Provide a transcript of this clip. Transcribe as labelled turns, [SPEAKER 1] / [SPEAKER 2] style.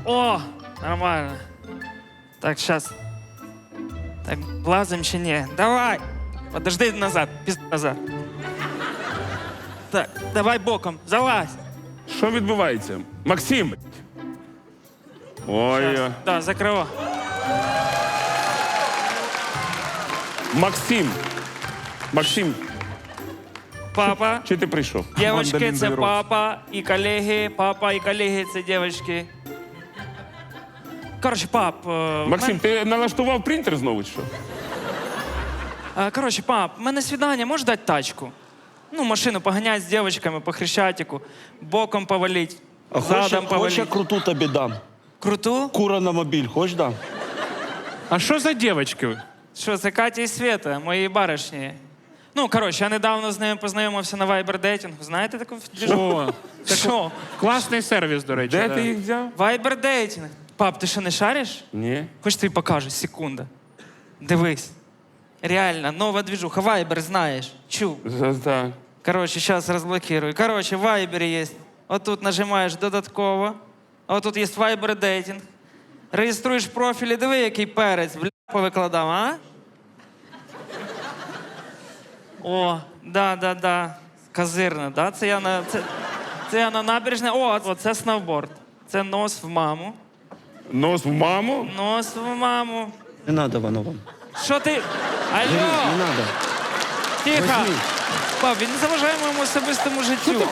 [SPEAKER 1] О, нормально. Так, сейчас. Так, влазим чи ні? Давай. Подожди назад, назад. Так, давай боком, залазь.
[SPEAKER 2] Що відбувається? Максим! Ой,
[SPEAKER 1] Да, закривай.
[SPEAKER 2] Максим! Максим,
[SPEAKER 1] Папа,
[SPEAKER 2] чи ти прийшов?
[SPEAKER 1] дівчатки, це папа і колеги. Папа і колеги це дівчатки. Коротше, пап.
[SPEAKER 2] Максим, ти налаштував принтер знову, чи що?
[SPEAKER 1] Коротше, пап, в мене свідання, можеш дати тачку? Ну, машину поганять з дівчатками по Хрещатику, боком повалить,
[SPEAKER 3] А
[SPEAKER 1] задом
[SPEAKER 3] хочеш,
[SPEAKER 1] повалить.
[SPEAKER 3] я круту тобі дам.
[SPEAKER 1] Круту?
[SPEAKER 3] Кура на мобіль, хочеш дам?
[SPEAKER 4] А що за дівчатки?
[SPEAKER 1] Що, це Катя і Света, мої баришні. Ну, коротше, я недавно з ними познайомився на Viber дейтингу. Знаєте таку двіжу?
[SPEAKER 4] О,
[SPEAKER 1] Що?
[SPEAKER 4] класний сервіс, до речі.
[SPEAKER 2] Де
[SPEAKER 4] да.
[SPEAKER 2] ти їх взяв?
[SPEAKER 1] Viber дейтинг. Пап, ти що, не шариш?
[SPEAKER 2] Ні.
[SPEAKER 1] Хоч тобі покажу, секунда. Дивись. Реально, нова движуха. Viber знаєш. Чув.
[SPEAKER 2] Так.
[SPEAKER 1] Короче, сейчас разблокирую. Короче, в Viber есть. Вот тут нажимаєш додатково. А от тут є Viber дейтинг. Реєструєш профілі. Диви, який перець. Бля, повикладав, а? О, да. Козирна, да? Це я на набережне. О, це сноуборд. Це нос в маму.
[SPEAKER 2] Нос в маму?
[SPEAKER 1] Нос в маму.
[SPEAKER 3] Не надо воно вам.
[SPEAKER 1] Що ти?
[SPEAKER 3] Не
[SPEAKER 1] Алло!
[SPEAKER 3] надо.
[SPEAKER 1] Тихо!
[SPEAKER 3] Возьми.
[SPEAKER 1] Пап, він не заважає моєму особистому життю.